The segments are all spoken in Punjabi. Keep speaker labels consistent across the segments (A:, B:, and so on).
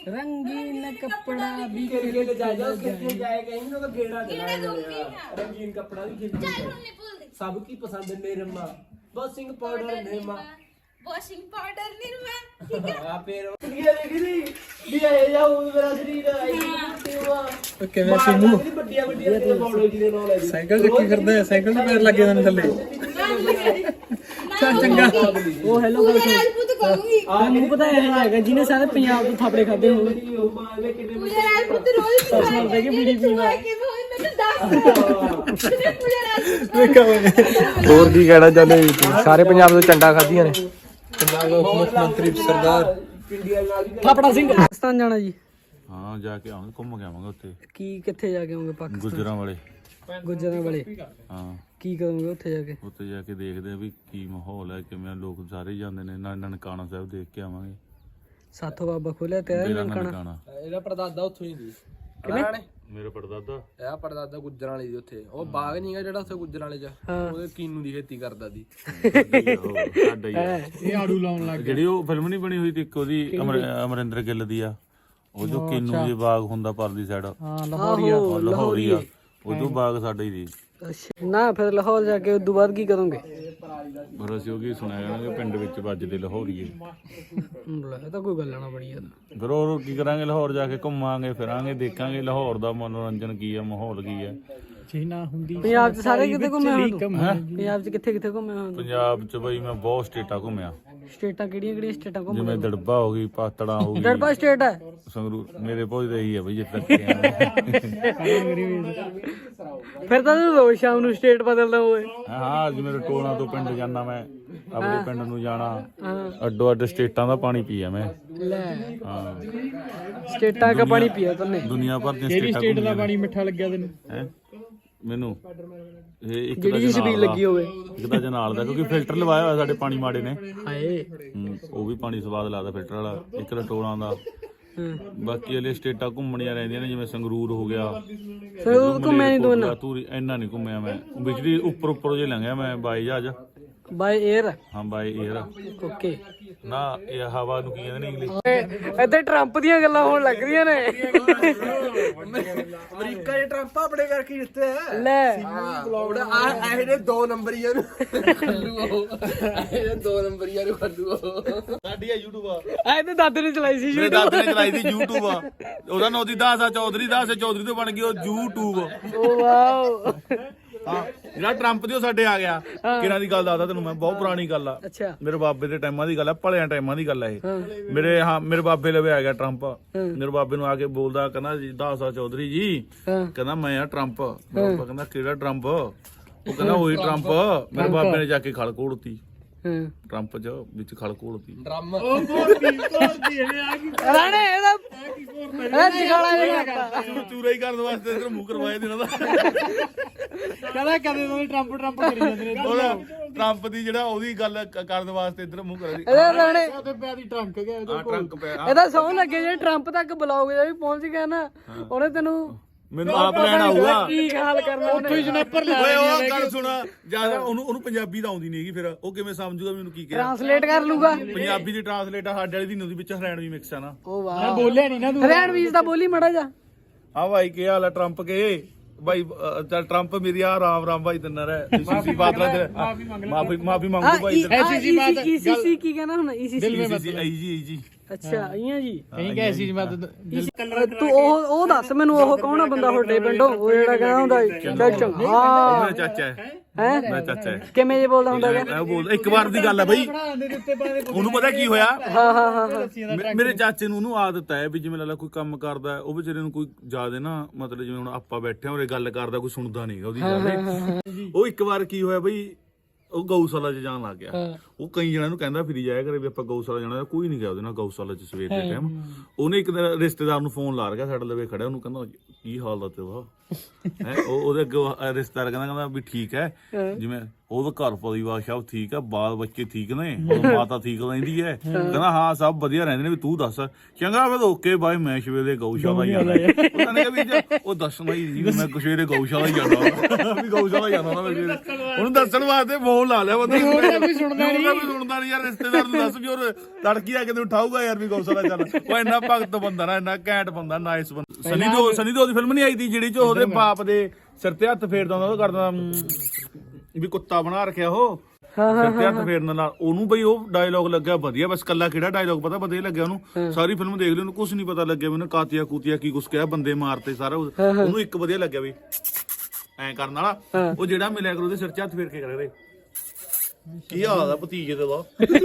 A: रंगीन कपड़ा भी
B: क्रिकेट जाएगा क्रिकेट जाएगा इन लोग गेड़ा चलाएगा रंगीन कपड़ा भी खेल सबकी पसंद Nirma washing powder Nirma
C: washing powder Nirma ठीक है
B: आ फिर ये देखी भी आए जाओ मेरा शरीर आई
A: ਕਿਵੇਂ ਸਿੰਮੂ
B: ਵੱਡੀਆਂ ਵੱਡੀਆਂ ਤੇ ਬੌੜੇ ਜੀ ਦੇ ਨਾਲ ਹੈ
A: ਸਾਈਕਲ ਚੱਕੀ ਫਿਰਦਾ ਹੈ ਸਾਈਕਲ ਤੇ ਪੈਰ ਲੱਗੇ ਨੇ ਥੱਲੇ ਚੱਲ ਚੰਗਾ ਉਹ ਹੈਲੋ
C: पूजा राजपूत कहूंगी
A: ਮੈਨੂੰ ਪਤਾ ਹੈਗਾ ਜਿਹਨੇ ਸਾਰੇ ਪੰਜਾਬ ਤੋਂ ਥਾਪੜੇ ਖਾਦੇ ਹੋਣ
C: पूजा राजपूत रोज
A: ਸਾਲ ਦੇ ਕੇ ਬੀੜੀ ਪੀਂਦਾ
C: कि वो मैं तो 10 पूजा राजपूत
A: ਵੇਖਾ ਵੇ
D: ਹੋਰ ਕੀ ਕਹਿਣਾ ਚਾਹੁੰਦੇ ਜੀ ਸਾਰੇ ਪੰਜਾਬ ਤੋਂ ਚੰਡਾ ਖਾਧੀਆਂ ਨੇ
A: ਪੰਜਾਬ ਦਾ ਮੁੱਖ ਮੰਤਰੀ ਸਰਦਾਰ ਥਾਪੜਾ ਸਿੰਘ ਪਾਕਿਸਤਾਨ ਜਾਣਾ ਜੀ
E: ਹਾਂ ਜਾ ਕੇ ਆਵਾਂਗੇ ਘੁੰਮ ਕੇ ਆਵਾਂਗੇ ਉੱਥੇ
A: ਕੀ ਕਿੱਥੇ ਜਾ ਕੇ ਆਉਂਗੇ ਪਾਕਿਸਤਾਨ
E: ਗੁੱਜਰਾਂ ਵਾਲੇ
A: ਗੁੱਜਰਾਂ ਵਾਲੇ
E: ਹਾਂ
A: ਕੀ ਕਰੋਗੇ ਉੱਥੇ ਜਾ ਕੇ
E: ਉੱਥੇ ਜਾ ਕੇ ਦੇਖਦੇ ਆ ਵੀ ਕੀ ਮਾਹੌਲ ਹੈ ਕਿਵੇਂ ਲੋਕ ਸਾਰੇ ਜਾਂਦੇ ਨੇ ਨਾਲ ਨਨਕਾਣਾ ਸਾਹਿਬ ਦੇਖ ਕੇ ਆਵਾਂਗੇ
A: ਸਾਥੋਂ ਬਾਬਾ ਖੋਲਿਆ ਤੇ
E: ਮੇਰਾ
A: ਨਨਕਾਣਾ
E: ਨਨਕਾਣਾ
B: ਇਹਦਾ ਪੜਦਾਦਾ ਉੱਥੋਂ ਹੀ ਦੀ
A: ਕਿਵੇਂ
E: ਮੇਰਾ ਪੜਦਾਦਾ
B: ਇਹ ਪੜਦਾਦਾ ਗੁੱਜਰਾਂ ਵਾਲੀ ਦੀ ਉੱਥੇ ਉਹ ਬਾਗ ਨਹੀਂਗਾ ਜਿਹੜਾ ਉੱਥੇ ਗੁੱਜਰਾਂ ਵਾਲੇ ਚ ਉਹਦੇ ਕੀਨੂ ਦੀ ਖੇਤੀ ਕਰਦਾ ਦੀ
E: ਸਾਡਾ ਹੀ ਆ।
A: ਇਹ ਆੜੂ ਲਾਉਣ ਲੱਗ
E: ਜਿਹੜੀ ਉਹ ਫਿਲਮ ਨਹੀਂ ਬਣੀ ਹੋਈ ਤੇ ਇੱਕ ਉਹਦੀ ਅਮਰਿੰਦਰ ਗਿੱਲ ਦੀ ਆ ਉਹ ਜੋ ਕਿੰਨੂ ਦੇ ਬਾਗ ਹੁੰਦਾ ਪਰਲੀ ਸਾਈਡ
A: ਹਾਂ ਲਾਹੌਰੀਆ
E: ਲਾਹੌਰੀਆ ਉਹ ਜੋ ਬਾਗ ਸਾਡਾ ਹੀ ਦੀ
A: ਅੱਛਾ ਨਾ ਫਿਰ ਲਾਹੌਰ ਜਾ ਕੇ ਉਦੋਂ ਬਾਅਦ ਕੀ ਕਰੋਗੇ
E: ਪਰ ਅਸੀਂ ਉਹ ਕੀ ਸੁਣਾਇਆ ਕਰਾਂਗੇ ਪਿੰਡ ਵਿੱਚ ਵੱਜਦੇ ਲਾਹੌਰੀਏ
A: ਇਹ ਤਾਂ ਕੋਈ ਗੱਲ ਨਾ ਬੜੀ ਯਾਰ
E: ਫਿਰ ਹੋਰ ਕੀ ਕਰਾਂਗੇ ਲਾਹੌਰ ਜਾ ਕੇ ਘੁੰਮਾਂਗੇ ਫਿਰਾਂਗੇ ਦੇਖਾਂਗੇ ਲਾਹੌਰ ਦਾ ਮਨੋਰੰਜਨ ਕੀ ਆ ਮਾਹੌਲ ਕੀ ਆ
A: ਜੇ ਨਾ ਹੁੰਦੀ ਪੰਜਾਬ 'ਚ ਸਾਰੇ ਕਿਤੇ ਘੁੰਮੇ ਹੋ ਪੰਜਾਬ 'ਚ ਕਿੱਥੇ ਕਿੱਥੇ ਘੁੰਮੇ ਹੋ
E: ਪੰਜਾਬ ਚ ਬਈ ਮੈਂ ਬਹੁਤ ਸਟੇਟਾਂ ਘੁੰਮਿਆ
A: ਸਟੇਟਾਂ ਕਿਹੜੀਆਂ ਕਿਹੜੀਆਂ ਸਟੇਟਾਂ ਘੁੰਮੇ
E: ਜਿਵੇਂ ਦੜਬਾ ਹੋ ਗਈ ਪਾਤੜਾ ਹੋ ਗਈ
A: ਦੜਬਾ ਸਟੇਟ ਹੈ
E: ਸੰਗਰੂਰ ਮੇਰੇ ਪਹੁੰਚ ਰਹੀ ਹੈ ਬਈ ਜਿੱਥੇ ਤੱਕ ਗਿਆ
A: ਫਿਰ ਤਾਂ ਤੂੰ ਰੋਜ਼ ਸ਼ਾਮ ਨੂੰ ਸਟੇਟ ਬਦਲਦਾ ਹੋਏ
E: ਹਾਂ ਅੱਜ ਮੇਰੇ ਟੋਲਾਂ ਤੋਂ ਪਿੰਡ ਜਾਣਾ ਮੈਂ ਆਪਣੇ ਪਿੰਡ ਨੂੰ ਜਾਣਾ ਅੱਡੋ ਅੱਡ ਸਟੇਟਾਂ ਦਾ ਪਾਣੀ ਪੀਆ ਮੈਂ
A: ਲੈ
E: ਹਾਂ
A: ਸਟੇਟਾਂ ਦਾ ਪਾਣੀ ਪੀਆ ਤੂੰ
E: ਦੁਨੀਆ ਭਰ ਦੀਆਂ ਸਟੇਟਾਂ
A: ਸਟੇਟ ਦਾ ਪਾਣੀ ਮਿੱਠਾ ਲੱਗਿਆ ਤੈਨੂੰ
E: ਹੈ ਮੈਨੂੰ ਇਹ ਇੱਕ
A: ਜਿਹੜੀ ਛਬੀਲ ਲੱਗੀ ਹੋਵੇ
E: ਇੱਕ ਤਾਂ ਜਨਾਲ ਦਾ ਕਿਉਂਕਿ ਫਿਲਟਰ ਲਵਾਇਆ ਹੋਇਆ ਸਾਡੇ ਪਾਣੀ ਮਾੜੇ ਨੇ
A: ਹਾਏ
E: ਉਹ ਵੀ ਪਾਣੀ ਸਵਾਦ ਲੱਗਦਾ ਫਿਲਟਰ ਵਾਲਾ ਇੱਕ ਤਾਂ ਟੋਲਾਂ ਦਾ ਬਾਕੀ ਵਾਲੇ ਸਟੇਟਾਂ ਘੁੰਮਣੀਆਂ ਰਹਿੰਦੀਆਂ ਨੇ ਜਿਵੇਂ ਸੰਗਰੂਰ ਹੋ ਗਿਆ
A: ਫਿਰ ਉਹ ਘੁੰਮਿਆ ਨਹੀਂ ਤੂੰ ਨਾ
E: ਤੂੰ ਇੰਨਾ ਨਹੀਂ ਘੁੰਮਿਆ ਮੈਂ ਬਿਜਲੀ ਉੱਪਰ ਜੇ ਲੰਘਿਆ ਮੈਂ ਬਾਈ ਜਹਾਜ਼
A: ਬਾਈ 에ਅਰ
E: ਹਾਂ ਬਾਈ 에ਅਰ
A: ਓਕੇ
E: ਨਾ ਇਹ ਹਵਾ ਨੂੰ ਕੀ ਕਹਿੰਦੇ ਨੇ ਇੰਗਲਿਸ਼
A: ਇੱਥੇ ਟਰੰਪ ਦੀਆਂ ਗੱਲਾਂ ਹੋਣ ਲੱਗ ਰਹੀਆਂ ਨੇ
B: ਅਮਰੀਕਾ ਦੇ ਟਰੰਪ ਆਪਣੇ ਕਰਕੇ ਜਿੱਤੇ
A: ਲੈ
B: ਇਹ ਨੇ 2 ਨੰਬਰੀਆਂ ਨੂੰ ਖੱਲੂ ਇਹ 2 ਨੰਬਰੀਆਂ ਨੂੰ ਖੱਲੂ
E: ਸਾਡੀ ਆ YouTube ਆ
A: ਐ ਤੇ ਦਾਦੇ ਨੇ ਚਲਾਈ ਸੀ
E: ਮੇਰੇ ਦਾਦੇ ਨੇ ਚਲਾਈ ਸੀ YouTube ਆ ਉਹਦਾ ਨਾਂ ਦੀ ਦਾਸ ਚੌਧਰੀ ਤੋਂ ਬਣ ਗਈ ਉਹ YouTube
A: ਓ ਵਾਓ
E: ਹਾਂ ਜਿਹੜਾ ਟਰੰਪ ਦੀ ਉਹ ਸਾਡੇ ਆ ਗਿਆ ਕਿਹਨਾਂ ਦੀ ਗੱਲ ਦੱਸਦਾ ਤੈਨੂੰ ਮੈਂ ਬਹੁਤ ਪੁਰਾਣੀ ਗੱਲ ਆ
A: ਅੱਛਾ
E: ਮੇਰੇ ਬਾਬੇ ਦੇ ਟਾਈਮਾਂ ਦੀ ਗੱਲ ਆ ਭਲਿਆਂ ਟਾਈਮਾਂ ਦੀ ਗੱਲ ਆ ਇਹ ਮੇਰੇ ਬਾਬੇ ਲਵੇ ਆ ਗਿਆ ਟਰੰਪ ਮੇਰੇ ਬਾਬੇ ਨੂੰ ਆ ਕੇ ਬੋਲਦਾ ਕਹਿੰਦਾ ਜੀ ਦਾਸਾ ਚੌਧਰੀ ਜੀ ਕਹਿੰਦਾ ਮੈਂ ਆ ਟਰੰਪ ਬਾਬਾ ਕਹਿੰਦਾ ਕਿਹੜਾ ਟਰੰਪ ਉਹ ਕਹਿੰਦਾ ਉਹੀ ਟਰੰਪ ਮੇਰੇ ਬਾਬੇ ਨੇ ਜਾ ਕੇ ਖਲ ਕੋੜਤੀ ਟਰੰਪ ਚ ਵਿੱਚ ਖਲ ਕੋੜਤੀ
B: ਡਰਮ
A: ਰਾਣੇ ਇਹਦਾ ਜਗਾਲਾ ਨਹੀਂ ਕਰਦਾ
E: ਚੂਰਾ ਹੀ ਕਰਨ ਵਾਸਤੇ ਇਧਰ ਮੂੰਹ ਕਰਵਾਏ ਦਿਨਾਂ ਦਾ
A: ਕਹਿੰਦਾ ਕਦੇ ਤੋਂ ਟਰੰਪ ਕਰੀ ਜਾਂਦੇ ਨੇ
E: ਉਹਦਾ ਟਰੰਪ ਦੀ ਜਿਹੜਾ ਉਹਦੀ ਗੱਲ ਕਰਨ ਵਾਸਤੇ ਇਧਰ ਮੂੰਹ ਕਰਾ ਦੀ
A: ਇਹਦਾ ਰਾਣੇ
E: ਆ ਟਰੰਕ ਪਿਆ
A: ਇਹਦਾ ਸੌ ਲੱਗੇ ਜੇ ਟਰੰਪ ਤੱਕ ਬਲੌਗ ਜੇ ਵੀ ਪਹੁੰਚ ਗਿਆ ਨਾ ਉਹਨੇ ਤੈਨੂੰ
E: ਮੈਨੂੰ ਆਪ ਲੈਣ ਆਊਗਾ
A: ਕੀ ਹਾਲ ਕਰਨਾ ਉਹਨੇ ਜਨੇਪਰ
E: ਓਏ ਉਹ ਗੱਲ ਸੁਣ ਜਿਆਦਾ ਉਹਨੂੰ ਪੰਜਾਬੀ ਤਾਂ ਆਉਂਦੀ ਨਹੀਂਗੀ ਫਿਰ ਉਹ ਕਿਵੇਂ ਸਮਝੂਗਾ ਮੈਨੂੰ ਕੀ ਕਿਹਾ
A: ਟ੍ਰਾਂਸਲੇਟ ਕਰ ਲੂਗਾ
E: ਪੰਜਾਬੀ ਦੀ ਟ੍ਰਾਂਸਲੇਟ ਆ ਸਾਡੇ ਵਾਲੀ ਦੀ ਉਹਦੇ ਵਿੱਚ ਹਰਿਆਣਵੀ ਮਿਕਸ ਆ ਨਾ
A: ਓ ਵਾਹ ਮੈਂ ਬੋਲਿਆ ਨਹੀਂ ਨਾ ਤੂੰ ਹਰਿਆਣਵੀ ਦਾ ਬੋਲੀ ਮੜਾ ਜਾ
E: ਆ ਭਾਈ ਕੀ ਹਾਲ ਆ ਟਰੰਪ ਕੇ ਭਾਈ ਚੱਲ ਟਰੰਪ ਮੇਰੀ ਆ ਰਾਮ ਭਾਈ ਤੰਨਰ ਹੈ ਸੀਸੀ ਬਾਦਲਾ ਦੇ ਮਾਫੀ ਮੰਗੂ ਭਾਈ
A: ਈਸੀਸੀ ਕੀ ਕਹਿਣਾ ਹੁਣ ਈਸੀਸੀ
E: ਆਈ ਜੀ
A: ਅੱਛਾ ਆਈਆਂ ਜੀ ਕਹੀਂ ਕਿ ਐਸੀ ਮੈਂ ਤੂੰ ਉਹ ਦੱਸ ਮੈਨੂੰ ਉਹ ਕੌਣ ਆ ਬੰਦਾ ਤੁਹਾਡੇ ਪਿੰਡੋਂ ਉਹ ਜਿਹੜਾ ਕਹਿੰਦਾ ਹੁੰਦਾ ਚੰਗਾ ਹਾਂ
E: ਮੇਰਾ ਚਾਚਾ ਹੈ ਮੇਰਾ ਚਾਚਾ ਹੈ
A: ਕਿਵੇਂ ਜੇ ਬੋਲਦਾ ਹੁੰਦਾ ਹੈ
E: ਉਹ ਬੋਲ ਇੱਕ ਵਾਰ ਦੀ ਗੱਲ ਹੈ ਬਈ ਉਹਨੂੰ ਪਤਾ ਕੀ ਹੋਇਆ
A: ਹਾਂ
E: ਮੇਰੇ ਚਾਚੇ ਨੂੰ ਉਹਨੂੰ ਆਦਤ ਹੈ ਵੀ ਜਿਵੇਂ ਲੱਲਾ ਕੋਈ ਕੰਮ ਕਰਦਾ ਉਹ ਵਿਚਾਰੇ ਨੂੰ ਕੋਈ ਜ਼ਿਆਦਾ ਨਾ ਮਤਲਬ ਜਿਵੇਂ ਹੁਣ ਆਪਾਂ ਬੈਠੇ ਹਾਂ ਉਰੇ ਗੱਲ ਕਰਦਾ ਕੋਈ ਸੁਣਦਾ ਨਹੀਂਗਾ ਉਹਦੀ ਗੱਲ ਉਹ ਇੱਕ ਵਾਰ ਕੀ ਹੋਇਆ ਬਈ ਉਹ ਗਊਸ਼ਾਲਾ 'ਚ ਜਾਣ ਲੱਗ ਗਿਆ ਉਹ ਕਈ ਜਣਿਆਂ ਨੂੰ ਕਹਿੰਦਾ ਫਿਰੀ ਜਾਇਆ ਕਰੇ ਵੀ ਆਪਾਂ ਗਊਸ਼ਾਲਾ ਜਾਣਾ ਕੋਈ ਨਹੀਂ ਗਿਆ ਉਹਦੇ ਨਾਲ ਗਊਸ਼ਾਲਾ 'ਚ ਸਵੇਰ ਦੇ ਟਾਈਮ ਉਹਨੇ ਇੱਕ ਦਿਨ ਰਿਸ਼ਤੇਦਾਰ ਨੂੰ ਫੋਨ ਲਾ ਰਿਹਾ ਸਾਡੇ ਲਵੇ ਖੜਿਆ ਉਹਨੂੰ ਕਹਿੰਦਾ ਕੀ ਹਾਲ ਦਾ ਤੇਰਾ ਉਹਦੇ ਅੱਗੇ ਰਿਸ਼ਤੇਦਾਰ ਕਹਿੰਦਾ ਵੀ ਠੀਕ ਹੈ, ਜਿਵੇਂ ਉਹਦਾ ਘਰ ਪਰਿਵਾਰ ਸਭ ਠੀਕ ਹੈ, ਬਾਲ ਬੱਚੇ ਠੀਕ ਨੇ, ਮਾਤਾ ਠੀਕ ਰਹਿੰਦੀ ਹੈ, ਕਹਿੰਦਾ ਹਾਂ ਸਭ ਵਧੀਆ ਰਹਿੰਦੇ ਨੇ, ਵੀ ਤੂੰ ਦੱਸ। ਚੰਗਾ ਫਿਰ ਓਕੇ ਬਾਈ, ਮੈਂ ਸਵੇਰੇ ਗਊਸ਼ਾਲਾ ਜਾਣਾ। ਉਹਨਾਂ ਨੇ ਵੀ ਉਹ ਦੱਸਣਾ ਹੀ ਜੀ, ਮੈਂ ਸਵੇਰੇ ਗਊਸ਼ਾਲਾ ਹੀ ਜਾਣਾ, ਵੀ ਗਊਸ਼ਾਲਾ ਜਾਣਾ ਮੈਂ ਸਵੇਰੇ। ਉਹਨੂੰ ਦੱਸਣ ਵਾਸਤੇ ਫੋਨ ਲਾ ਲਿਆ ਬੰਦਾ, ਸੁਣਦਾ ਨਹੀਂ ਯਾਰ, ਰਿਸ਼ਤੇਦਾਰ ਨੂੰ ਦੱਸ ਵੀ ਉਹ ਲੜਕੀ ਆ ਕੇ ਤੈਨੂੰ ਉਠਾਊਗਾ ਯਾਰ ਵੀ ਗਊਸ਼ਾਲਾ ਜਾਣਾ। ਉਹ ਇੰਨਾ ਭਗਤ ਬੰਦਾ ਨਾ, ਇੰਨਾ ਘੈਂਟ ਬੰਦਾ, ਨਾਈਸ ਬੰਦਾ। ਸਨੀ ਦਿਓਲ ਦੀ ਫਿਲਮ ਨਹੀਂ ਆਈ ਤੀ ਜਿਹੜੀ ਚ ਉਹਦੇ ਬਾਪ ਦੇ ਸਿਰ ਤੇ ਹੱਥ ਫੇਰਦਾ ਹੁੰਦਾ, ਉਹ ਕਰਦਾ ਵੀ ਕੁੱਤਾ ਬਣਾ ਰੱਖਿਆ ਉਹ ਸਿਰ ਤੇ ਹੱਥ ਫੇਰਨ ਨਾਲ। ਉਹਨੂੰ ਬਈ ਉਹ ਡਾਇਲੋਗ ਲੱਗਿਆ ਵਧੀਆ, ਬਸ ਕੱਲਾ ਕਿਹੜਾ ਡਾਇਲੋਗ ਪਤਾ ਵਧੀਆ ਲੱਗਿਆ ਉਹਨੂੰ। ਸਾਰੀ ਫਿਲਮ ਦੇਖ ਲਈ, ਉਹਨੂੰ ਕੁਛ ਨੀ ਪਤਾ ਲੱਗਿਆ ਵੀ ਉਹਨੇ ਕਾਤੀਆ ਕੂਤੀਆ ਕੀ ਕੁਛ ਕਿਹਾ, ਬੰਦੇ ਮਾਰਤੇ ਸਾਰਾ। ਉਹਨੂੰ ਇੱਕ ਵਧੀਆ ਲੱਗਿਆ ਵੀ ਐਂ ਕਰਨ ਵਾਲਾ, ਉਹ ਜਿਹੜਾ ਮਿਲਿਆ ਕਰੂ ਉਹਦੇ ਸਿਰ 'ਚ ਹੱਥ ਫੇਰ ਕੇ ਕਰੇ, ਕੀ ਹਾਲ ਆ ਭਤੀਜੇ ਦਾ।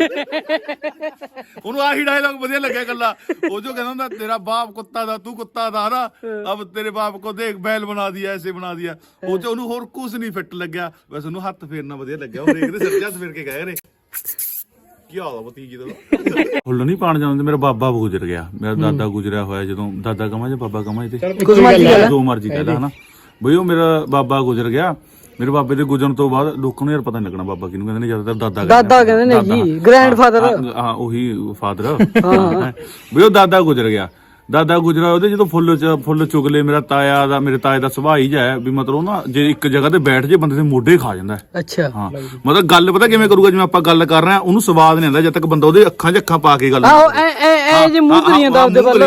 E: ਉਹਨੂੰ ਆਹੀ ਡਾਇਲੋਗ ਵਧੀਆ ਲੱਗਿਆ ਕੱਲਾ। ਉਹ ਜੋ ਕਹਿੰਦਾ ਹੁੰਦਾ ਤੇਰਾ ਬਾਪ ਕੁੱਤਾ ਦਾ, ਤੂੰ ਕੁੱਤਾ ਦਾ ਨਾ, ਅਬ ਤੇਰੇ ਬਾਪ ਕੋ ਦੇਖ ਬੈਲ ਬਣਾ ਦਿਆ, ਐਸੇ ਬਣਾ ਦਿਆ। ਉਹ ਚ ਉਹਨੂੰ ਹੋਰ ਕੁਝ ਨਹੀਂ ਫਿੱਟ ਲੱਗਿਆ, ਬਸ ਉਹਨੂੰ ਹੱਥ ਫੇਰਨਾ ਵਧੀਆ ਲੱਗਿਆ। ਉਹ ਦੇਖਦੇ ਸਿਰ 'ਚ ਹੱਥ ਫੇਰ ਕੇ ਕਹਿ ਰਹੇ ਕੀ ਹਾਲ ਆ ਭਤੀਜੇ ਦਾ। ਫੁੱਲ ਨਹੀਂ ਪਾਣ ਜਾਂਦੇ, ਮੇਰਾ ਬਾਬਾ ਗੁਜ਼ਰ ਗਿਆ, ਮੇਰਾ ਦਾਦਾ ਗੁਜ਼ਰਿਆ ਹੋਇਆ। ਜਦੋਂ ਦਾਦਾ ਕਮਾਂ ਜਾਂ ਬਾਬਾ ਕਮਾਂ, ਤੇ ਜੋ ਮਰਜੀ ਕਹਿ ਲਾ ਹਨਾ ਬਈ, ਉਹ ਮੇਰਾ ਬਾਬਾ ਗੁਜ਼ਰ ਗਿਆ। ਮੇਰੇ ਬਾਬੇ ਦੇ ਗੁਜ਼ਰਨ ਤੋਂ ਬਾਅਦ ਲੋਕਾਂ ਨੂੰ ਯਾਰ ਪਤਾ ਨੀ ਲੱਗਣਾ ਬਾਬਾ ਕਿਹਨੂੰ ਕਹਿੰਦੇ ਨੇ, ਜ਼ਿਆਦਾਤਰ ਦਾਦਾ
A: ਕਹਿੰਦੇ ਨੇ ਜੀ, ਗ੍ਰੈਂਡਫਾਦਰ।
E: ਹਾਂ ਉਹੀ ਫਾਦਰ ਵੀ। ਉਹ ਦਾਦਾ ਗੁਜ਼ਰ ਗਿਆ, ਦਾਦਾ ਗੁਜਰਾ। ਉਹਦੇ ਜਦੋਂ ਫੁੱਲ ਚੁਗਲੇ, ਮੇਰੇ ਤਾਏ ਦਾ ਸੁਭਾਅ ਹੀ ਹੈ ਵੀ ਮਤਲਬ ਨਾ, ਜੇ ਇੱਕ ਜਗ੍ਹਾ ਤੇ ਬੈਠ ਜੇ ਬੰਦੇ ਦੇ ਮੋਢੇ ਖਾ ਜਾਂਦਾ।
A: ਅੱਛਾ
E: ਹਾਂ, ਮਤਲਬ ਗੱਲ ਪਤਾ ਕਿਵੇਂ ਕਰੂਗਾ, ਜਿਵੇਂ ਆਪਾਂ ਗੱਲ ਕਰ ਰਹੇ ਹਾਂ ਉਹਨੂੰ ਸਵਾਦ ਨਹੀਂ ਆਉਂਦਾ ਜਦ ਤੱਕ ਬੰਦਾ ਉਹਦੇ ਅੱਖਾਂ 'ਚ ਅੱਖਾਂ ਪਾ ਕੇ ਗੱਲ
A: ਜੇ ਮੂੰਹ ਕਰੀ ਜਾਂਦਾ ਉਹਦੇ ਵੱਲ।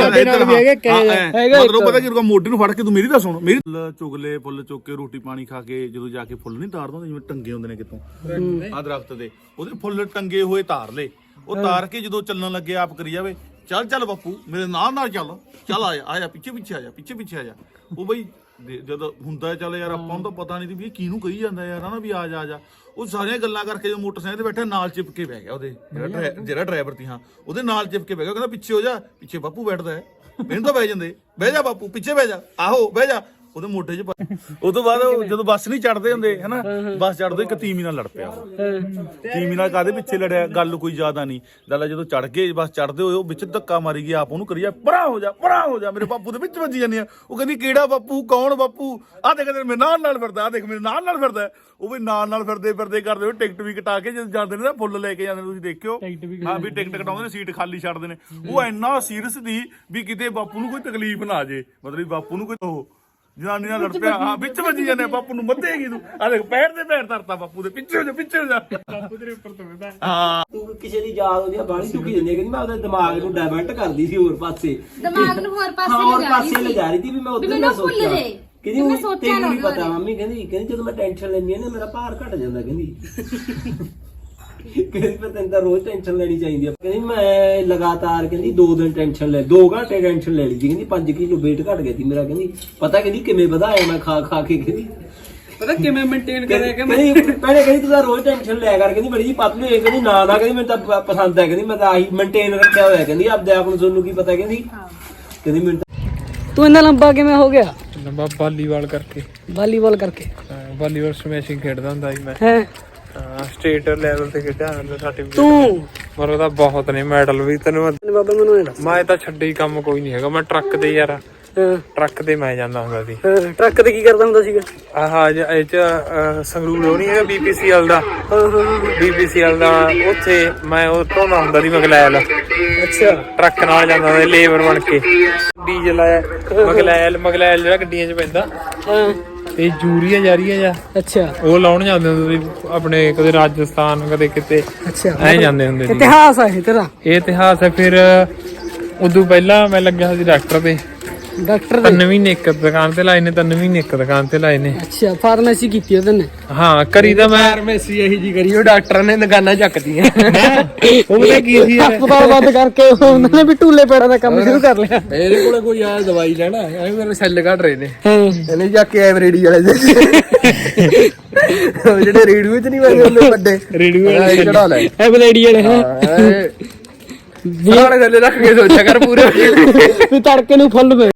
E: ਮਤਲਬ ਪਤਾ ਕੀ ਕਰੂਗਾ, ਮੋਢੇ ਨੂੰ ਫੜ ਕੇ ਤੂੰ ਮੇਰੀ ਤਾਂ ਸੁਣ, ਮੇਰੀ ਚੁਗਲੇ ਫੁੱਲ ਚੁੱਕ ਕੇ ਰੋਟੀ ਪਾਣੀ ਖਾ ਕੇ ਜਦੋਂ ਜਾ ਕੇ ਫੁੱਲ ਨਹੀਂ ਤਾਰਦਾ, ਜਿਵੇਂ ਟੰਗੇ ਹੁੰਦੇ ਨੇ ਕਿਤੋਂ ਆਹ ਦਰਖਤ ਦੇ, ਉਹਦੇ ਫੁੱਲ ਟੰਗੇ ਹੋਏ ਤਾਰ ਲੇ। ਉਹ ਤਾਰ ਕੇ ਜਦੋਂ ਚੱਲਣ ਲੱਗੇ ਆਪ ਕਰੀ ਜਾਵੇ, ਚੱਲ ਬਾਪੂ ਮੇਰੇ ਨਾਲ ਚੱਲ ਆ ਜਾ ਪਿੱਛੇ ਆ ਜਾ। ਉਹ ਬਈ ਜਦੋਂ ਹੁੰਦਾ ਚੱਲ ਯਾਰ, ਆਪਾਂ ਨੂੰ ਤਾਂ ਪਤਾ ਨਹੀਂ ਵੀ ਇਹ ਕਿਹਨੂੰ ਕਹੀ ਜਾਂਦਾ ਯਾਰ ਹਨਾ, ਵੀ ਆ ਜਾ। ਉਹ ਸਾਰੀਆਂ ਗੱਲਾਂ ਕਰਕੇ ਜੋ ਮੋਟਰਸਾਈਕਲ ਤੇ ਬੈਠਾ ਨਾਲ ਚਿਪਕੇ ਬਹਿ ਗਿਆ, ਉਹਦੇ ਜਿਹੜਾ ਡਰਾਈਵਰ ਸੀ, ਹਾਂ ਉਹਦੇ ਨਾਲ ਚਿਪਕੇ ਬਹਿ ਗਿਆ। ਕਹਿੰਦਾ ਪਿੱਛੇ ਹੋ ਜਾ, ਪਿੱਛੇ ਬਾਪੂ ਬੈਠਦਾ ਹੈ, ਮੈਨੂੰ ਤਾਂ ਬਹਿ ਜਾਂਦੇ, ਬਹਿ ਜਾ ਬਾਪੂ ਪਿੱਛੇ ਬਹਿ ਜਾ, ਆਹੋ ਬਹਿ ਜਾ। ਉਹਦੇ ਮੋਢੇ 'ਚ ਉਹ ਤੋਂ ਬਾਅਦ ਜਦੋਂ ਬੱਸ ਨਹੀਂ ਚੜਦੇ ਹੁੰਦੇ ਹਨਾ, ਬੱਸ ਚੜਦੇ ਇੱਕ ਤੀਮੀ ਨਾਲ ਲੜ ਪਿਆ। ਤੀਮੀ ਨਾਲ ਕਾਹਦੇ ਪਿੱਛੇ ਲੜਿਆ, ਗੱਲ ਕੋਈ ਜ਼ਿਆਦਾ ਨਹੀਂ। ਗੱਲ ਜਦੋਂ ਚੜ ਗਏ ਬੱਸ ਚੜਦੇ ਹੋਏ, ਉਹ ਵਿੱਚ ਧੱਕਾ ਮਾਰੀ ਗਿਆ, ਆਪ ਉਹਨੂੰ ਕਰੀ ਜਾ ਪਰਾਂ ਹੋ ਜਾ, ਮੇਰੇ ਬਾਪੂ ਦੇ ਵਿੱਚ ਵੱਜੀ ਜਾਂਦੀ ਆ। ਉਹ ਕਹਿੰਦੀ ਕਿਹੜਾ ਬਾਪੂ, ਕੌਣ ਬਾਪੂ, ਆਹ ਦੇਖ ਮੇਰੇ ਨਾਲ ਫਿਰਦਾ, ਆਹ ਦੇਖ ਮੇਰੇ ਨਾਲ ਫਿਰਦਾ। ਉਹ ਵੀ ਨਾਲ ਫਿਰਦੇ ਕਰਦੇ ਹੋਏ ਟਿਕਟ ਵੀ ਕਟਾ ਕੇ ਜਦੋਂ ਜਾਂਦੇ ਨੇ ਨਾ, ਫੁੱਲ ਲੈ ਕੇ ਜਾਂਦੇ ਨੇ, ਤੁਸੀਂ ਦੇਖਿਓ ਹਾਂ ਵੀ ਟਿਕਟ ਕਟਾਉਂਦੇ ਨੇ, ਸੀਟ ਖਾਲੀ ਛੱਡਦੇ ਨੇ। ਉਹ ਇੰਨਾ ਸੀਰੀਅਸ ਦੀ ਵੀ ਕਿਤੇ ਬਾਪੂ ਨੂੰ ਕੋਈ ਤਕਲੀਫ ਨਾ ਆ ਜੇ, ਮਤਲਬ ਬਾਪੂ ਨੂੰ ਕੋਈ ਉਹ ਜਨਾਨੀ ਨਾਲ ਲੜ ਪਿਆ, ਹਾਂ ਵਿੱਚ ਵੱਜੀ ਜਾਂਦੇ, ਬਾਪੂ ਨੂੰ ਮੱਧੇਗੀ ਤੂੰ, ਆ ਦੇਖ ਪੈਰ ਧਰਤਾ ਬਾਪੂ ਦੇ, ਪਿੱਛੇ ਹੋ ਜਾ ਬਾਪੂ ਤੇਰੇ ਉੱਪਰ ਤੋਂ ਬੈਠਾ। ਹਾਂ
B: ਤੂੰ ਕਿਸੇ ਦੀ ਯਾਦ ਉਹਦੀ ਬਾਹਲੀ ਚੁੱਕੀ ਜਾਂਦੀ ਹੈ, ਕਹਿੰਦੀ ਮੈਂ ਉਹਦੇ ਦਿਮਾਗ ਨੂੰ ਡਾਇਵਰਟ ਕਰਦੀ ਸੀ ਹੋਰ ਪਾਸੇ,
C: ਦਿਮਾਗ ਨੂੰ ਹੋਰ ਪਾਸੇ
B: ਲਿਜਾ ਰਹੀ ਸੀ ਵੀ ਮੈਂ ਉਧਰ ਨਾ ਸੋਚਾਂ। ਕਹਿੰਦੀ ਤੈਨੂੰ ਨਹੀਂ ਪਤਾ ਮੰਮੀ, ਕਹਿੰਦੀ ਜਦੋਂ ਮੈਂ ਟੈਨਸ਼ਨ ਲੈਂਦੀ ਆ ਨਾ ਮੇਰਾ ਭਾਰ ਘਟ ਜਾਂਦਾ। ਕਹਿੰਦੀ ਫਿਰ ਤੈਨੂੰ ਤਾਂ ਰੋਜ਼ ਟੈਨਸ਼ਨ ਲੈਣੀ ਚਾਹੀਦੀ ਆ। ਕਹਿੰਦੀ ਮੈਂ ਲਗਾਤਾਰ 2 ਦਿਨ ਟੈਨਸ਼ਨ ਲੈ, 2 ਘੰਟੇ ਟੈਨਸ਼ਨ ਲੈ ਲਈ ਸੀ। ਕਹਿੰਦੀ 5 ਕਿਲੋ weight ਘਟ ਗਿਆ ਸੀ ਮੇਰਾ। ਕਹਿੰਦੀ ਪਤਾ ਕਿਵੇਂ ਵਧਾਇਆ ਮੈਂ ਖਾ ਕੇ। ਕਹਿੰਦੀ
A: ਪਤਾ ਕਿਵੇਂ ਮੇਨਟੇਨ ਕਰਿਆ ਕਿ
B: ਪਹਿਲੇ ਕਹਿੰਦੀ ਤੂੰ ਤਾਂ ਰੋਜ਼ ਟੈਨਸ਼ਨ ਲਿਆ ਕਰ, ਕਹਿੰਦੀ ਬੜੀ ਜੀ ਪਤਲੀ ਹੋਈ। ਕਹਿੰਦੀ ਨਾ ਕਹਿੰਦੀ ਮੈਨੂੰ ਤਾਂ ਪਸੰਦ ਹੈ, ਕਹਿੰਦੀ ਮੈਂ ਤਾਂ ਆਹੀ ਮੇਨਟੇਨ ਰੱਖਿਆ ਹੋਇਆ। ਕਹਿੰਦੀ ਆਪਦੇ ਆਪ ਨੂੰ ਤੁਹਾਨੂੰ ਕੀ ਪਤਾ। ਕਹਿੰਦੀ ਮੈਨੂੰ
A: ਤੂੰ ਇੰਨਾ ਲੰਬਾ ਕਿਵੇਂ ਹੋ ਗਿਆ?
D: ਲੰਬਾ ਵਾਲੀਬਾਲ ਕਰਕੇ ਵਾਲੀਬਾਲ ਸਮੈਸ਼ਿੰਗ ਖੇਡਦਾ ਹੁੰਦਾ ਸੀ ਮੈਂ। ਸਟੇਟ ਲੈਵਲ ਤੇ ਖੇਡਿਆ ਹੁੰਦਾ ਸਰਟੀਫਿਕੇਟ।
A: ਤੂੰ
D: ਮਰੋ ਤਾਂ ਬਹੁਤ ਨੇ ਮੈਡਲ ਵੀ। ਤੈਨੂੰ
A: ਬਾਬਾ ਮੈਨੂੰ
D: ਮੈਂ ਤਾਂ ਛੱਡੇ ਕੰਮ ਕੋਈ ਨਹੀਂ ਹੈਗਾ। ਮੈਂ ਟਰੱਕ ਤੇ ਯਾਰ, ਟਰੱਕ ਤੇ ਮੈਂ ਜਾਂਦਾ ਹੁੰਦਾ ਸੀ।
A: ਟਰੱਕ ਤੇ ਕੀ ਕਰਦਾ ਹੁੰਦਾ ਸੀਗਾ?
D: ਇਹ ਚ ਸੰਗਰੂਰ ਉਹ ਨੀ ਹੈਗਾ BPCL ਦਾ, ਉੱਥੇ ਮੈਂ ਉਹ ਢੋਂਦਾ ਹੁੰਦਾ ਸੀ ਮਗਲੈਲ।
A: ਅੱਛਾ,
D: ਟਰੱਕ ਨਾਲ ਜਾਂਦਾ ਹੁੰਦਾ ਲੇਬਰ ਬਣ ਕੇ। ਡੀਜ਼ਲ ਆਇਆ ਮਗਲੈਲ ਜਿਹੜਾ ਗੱਡੀਆਂ ਚ ਪੈਂਦਾ, ਤੇ ਯੂਰੀਆ ਜਾ
A: ਅੱਛਾ,
D: ਉਹ ਲਾਉਣ ਜਾਂਦੇ ਹੁੰਦੇ ਸੀ ਆਪਣੇ, ਕਦੇ ਰਾਜਸਥਾਨ ਕਦੇ ਕਿਤੇ।
A: ਅੱਛਾ,
D: ਐ ਜਾਂਦੇ ਹੁੰਦੇ ਸੀ।
A: ਇਤਿਹਾਸ ਆ ਇਹ ਤੇਰਾ?
D: ਇਹ ਇਤਿਹਾਸ ਹੈ। ਫਿਰ ਉਦੋਂ ਪਹਿਲਾਂ ਮੈਂ ਲੱਗਿਆ ਸੀ ਡਾਕਟਰ ਦੇ। 3 ਮਹੀਨੇ ਇੱਕ ਦੁਕਾਨ ਤੇ ਲਾਏ ਨੇ, 3 ਮਹੀਨੇ ਇੱਕ ਦੁਕਾਨ ਤੇ ਲਾਏ ਨੇ।
A: ਅੱਛਾ, ਫਾਰਮੇਸੀ ਕੀਤੀ ਉਹਦੇ ਨੇ?
D: ਹਾਂ ਕਰੀ ਤਾਂ ਮੈਂ
A: ਫਾਰਮੇਸੀ ਇਹੀ ਜੀ ਕਰੀ, ਉਹ ਡਾਕਟਰਾਂ ਨੇ ਦੁਕਾਨਾਂ ਚੱਕਦੀਆਂ।
D: ਉਹ ਪਤਾ ਕੀ ਸੀ,
A: ਹਸਪਤਾਲ ਬੰਦ ਕਰਕੇ ਉਹਨਾਂ ਨੇ ਵੀ ਟੂਲੇ ਪੇੜਾਂ ਦਾ ਕੰਮ ਸ਼ੁਰੂ ਕਰ ਲਿਆ।
D: ਇਹਦੇ ਕੋਲੇ ਕੋਈ ਆ ਦਵਾਈ ਲੈਣਾ, ਮੇਰੇ ਸੈੱਲ ਘਟ ਰਹੇ ਨੇ,
A: ਇਹਨੇ
D: ਜਾ ਕੇ ਐਵਰੇਡੀ ਵਾਲੇ ਜਿਹੜੇ ਰੇਡੀਓ ਚ ਨਹੀਂ ਵਜਦੇ ਹੁੰਦੇ ਵੱਡੇ ਰੇਡੀਓ ਚੜਾ ਲੈ,
A: ਐਵਰੇਡੀ ਵਾਲੇ
D: ਥੱਲੇ ਰੱਖ ਕੇ ਸੋਚਿਆ ਕਰ ਪੂਰੇ
A: ਵੀ ਤੜਕੇ ਨੂੰ ਫੁੱਲ